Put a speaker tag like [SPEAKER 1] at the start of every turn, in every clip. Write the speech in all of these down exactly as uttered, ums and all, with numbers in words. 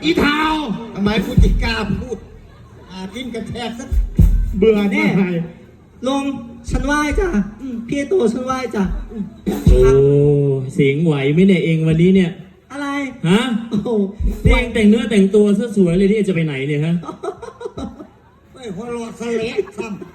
[SPEAKER 1] อีเทา
[SPEAKER 2] ทำไมกูจิกล้าพูดอากินกระแทกสัก
[SPEAKER 1] เบื่อแน่
[SPEAKER 3] ลงฉันไหว้จ้ะพี่โตฉันไหว้จ้ะ
[SPEAKER 4] โอ้เสียงไหวไหมเนี่ยเองวันนี้เนี่ย
[SPEAKER 3] อะไร
[SPEAKER 4] ฮะ
[SPEAKER 3] โอ้โห
[SPEAKER 4] นี่เองแต่งเนื้อแต่งตัวซะสวยเลยที่จะไปไหนเนี่ยฮะ
[SPEAKER 2] ไม่หัวเรอดสะเละซ้ำ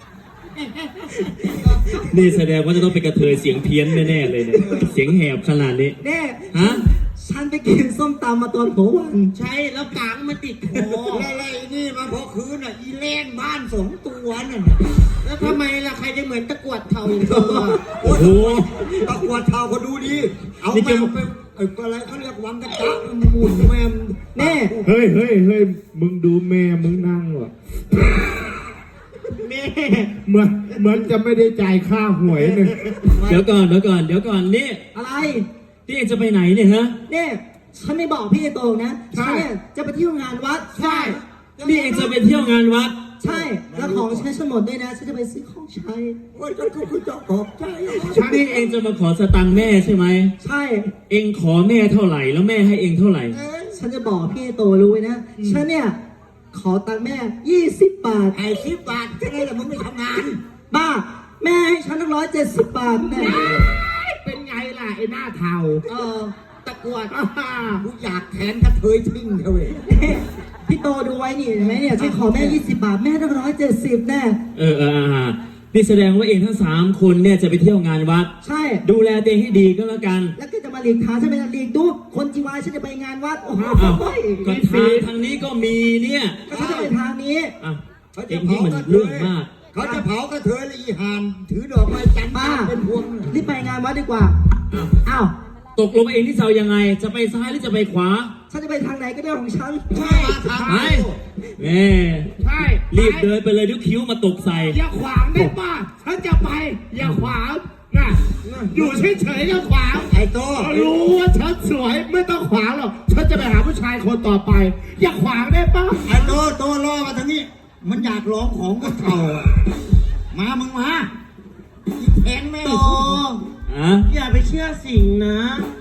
[SPEAKER 4] นี่แสดงว่าจะต้องเป็นกระเทยเสียงเพี้ยนแน่ๆเลยเนี่ยเสียงแหบขนาดนี้
[SPEAKER 3] แน่
[SPEAKER 4] ฮะ
[SPEAKER 3] ฉันไปกินส้มตำมาตอนหัววัน
[SPEAKER 1] ใช่แล้วกางมันติดคอ
[SPEAKER 2] อะไรนี่มาพอคืนอ่ะอีแล่นบ้านสองตัวนั่น
[SPEAKER 1] แล้วทำไมล่ะใครจะเหมือนตะกรวดเทาอย่างเธอ
[SPEAKER 2] โอ้
[SPEAKER 4] โอ้
[SPEAKER 2] โห
[SPEAKER 4] โห
[SPEAKER 2] ตะกวดเท้าก็ดูดีเอา
[SPEAKER 4] นี่
[SPEAKER 2] แม
[SPEAKER 4] จะ
[SPEAKER 2] วไปไอ้อะไรเขาเรียกวังกระตะหมุนแมว
[SPEAKER 3] แน่
[SPEAKER 5] เฮ้ยเฮ้ยเฮ้ยมึงดูแม่มึงนั่งวะ
[SPEAKER 1] แม่
[SPEAKER 5] เหมือนเหมือนจะไม่ได้จ่ายค่าหวยเลย
[SPEAKER 4] เดี๋ยวก่อนเดี๋ยวก่อนเดี๋ยวก่อนนี่
[SPEAKER 3] อะไร
[SPEAKER 4] ที่เองจะไปไหนเนี่ยฮะ
[SPEAKER 3] เนี่ยฉันไม่บอกพี่โตนะฉันเนี่ยจะไปเที่ยวงานวัด
[SPEAKER 1] ใช่
[SPEAKER 4] นี่เองจะไปเที่ยวงานวัด
[SPEAKER 3] ใช่แล้วของฉันฉันหมดด้วยนะฉันจะไปซื้อของใช้
[SPEAKER 2] โอ้ยก็คือจะขอบใจ
[SPEAKER 4] นี่เองจะมาขอสตังค์แม่ใช่ไหม
[SPEAKER 3] ใช่
[SPEAKER 4] เองขอแม่เท่าไหร่แล้วแม่ให้เองเท่าไหร่
[SPEAKER 3] ฉันจะบอกพี่โตรู้ไว้นะฉันเนี่ยขอตังค์แม่ยี่สิบบาท
[SPEAKER 2] ไอ้สิบบาทแค่นั้นแหละมึงไม่ทำงาน
[SPEAKER 3] บ้าแม่ให้ฉันตั้งร้อยเจ็ดสิบบาทแน่
[SPEAKER 1] เป็นไงล่ะไอ้หน้าเทา
[SPEAKER 3] เออ
[SPEAKER 1] ตะกรวด
[SPEAKER 2] กูอยากแทนกระเทยทิ้งเถอะเว้ย
[SPEAKER 3] พี่โตดูไว้นี่เห็นไหมเนี่ยฉันขอแม่ยี่สิบบาทแม่ตั้งร้อยเจ็ดสิบแน่
[SPEAKER 4] เออเอออ่านี่แสดงว่าเองทั้งสามคนเนี่ยจะไปเที่ยวงานวัด
[SPEAKER 3] ใช่
[SPEAKER 4] ดูแลตัวเองให้ดีก็แล้วกัน
[SPEAKER 3] แล้วก็จะมาหลีกทางฉันไปหลีกดูคนจีวายฉันจะไปงานวัดโอ้โห
[SPEAKER 4] อ้าวก็ทางทางนี้ก็มีเนี่ย
[SPEAKER 3] ก็ฉันจะไปทางนี้
[SPEAKER 4] อ่ะเองที่มันเรื่องมาก
[SPEAKER 2] เขาจะเผากระเทยและอีหานถือดอกไม้จันทร์
[SPEAKER 3] บ้า
[SPEAKER 2] เป็นพวง
[SPEAKER 3] รีบไปงานวัดดีกว่าอ้าว
[SPEAKER 4] ตกลงเองที่จะเอายังไง จะไปซ้ายหรือจะไปขวา
[SPEAKER 3] ฉันจะไปทางไหนก็ได้ของฉัน
[SPEAKER 2] ใช่ทาง
[SPEAKER 4] ไปแม่
[SPEAKER 1] ใช่
[SPEAKER 4] รีบเดินไปเลยเดี๋ยวคิ้วมาตกใส่
[SPEAKER 1] อย่าขวางได้ป่ะฉันจะไป อย่าขวางนะอยู่เฉยๆก็ขวาง
[SPEAKER 2] ไอ้โต
[SPEAKER 1] รู้ว่าฉันสวยไม่ต้องขวางหรอกฉันจะไปหาผู้ชายคนต่อไป อย่าขวางได้ป่ะ
[SPEAKER 2] ไอ้โตโตล่อมาทางนี้ มันอยากร้องของก็เข่าอะมามึงมาอีแทงแม่
[SPEAKER 1] โต
[SPEAKER 4] อ่ะ
[SPEAKER 1] อย่าไปเชื่อสิ่งนะ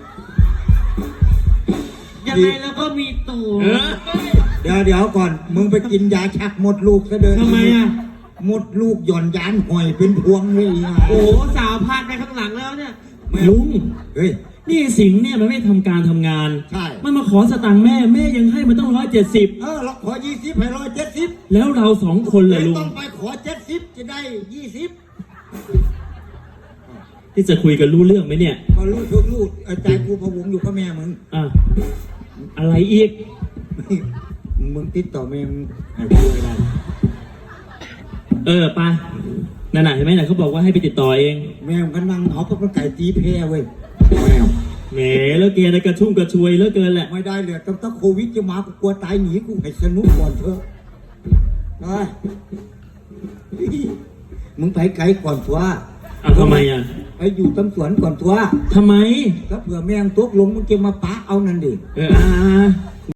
[SPEAKER 1] ยังไงแล้วก็มีตูด
[SPEAKER 4] เออ
[SPEAKER 2] เดี๋ยวเดี๋ยวก่อน มึงไปกินยาชักหมดลูกซะเดิน
[SPEAKER 4] ทำไมอ่ะ
[SPEAKER 2] หมดลูกหย่อนยานหอยเป็นพวงเลยอ่ะ
[SPEAKER 1] โอ้สาวพาดไปข้างหลังแล้วเนี่ย
[SPEAKER 4] ลุง
[SPEAKER 2] เฮ้ย
[SPEAKER 4] นี่สิงห์เนี่ยมันไม่ทำการทำงาน
[SPEAKER 2] ใช่
[SPEAKER 4] มันมาขอสตังค์แม่แม่ยังให้มันต้องร้อยเจ็ดสิบ
[SPEAKER 2] เออเราขอยี่สิบให้ร้อยเจ็ดสิบ
[SPEAKER 4] แล้วเราสองคนเลยลุง
[SPEAKER 2] ต้องไปขอเจ็ดสิบจะได้ยี่สิบ
[SPEAKER 4] ที่จะคุยกันรู้เรื่องไหมเนี่ย
[SPEAKER 2] พอลูกทุกลูกใจกูพะวงอยู่กับแม่มึง
[SPEAKER 4] อ่ะอะไรอีก
[SPEAKER 2] มึงติดต่อแม่มึงให้กูไม่ได้
[SPEAKER 4] เออไปนั่นน่ะเห็นไหมน่ะเขาบอกว่าให้ไปติดต่อเอง
[SPEAKER 2] แม่มึงก็นั่งเอาพวกมันไก่ตีแพ้เว้ยแมว
[SPEAKER 4] แหมแล้วเกณฑ์กระชุ่มกระชวยเหลือเกินแหละ
[SPEAKER 2] ไม่ได้เลยตั้งแต่โควิดจะมากูกลัวตายหนีกูให้สนุกก่อนเถอะไปมึงไปไกลก่อนทัว
[SPEAKER 4] อ่ะทำไมอ่ะ
[SPEAKER 2] ไปอยู่ตำสวนก่อนทัว
[SPEAKER 4] ทำไม
[SPEAKER 2] แล้วเผื่อแม่งตกลงมึงจะมาปะเอานั่นดิ
[SPEAKER 4] เอออ่า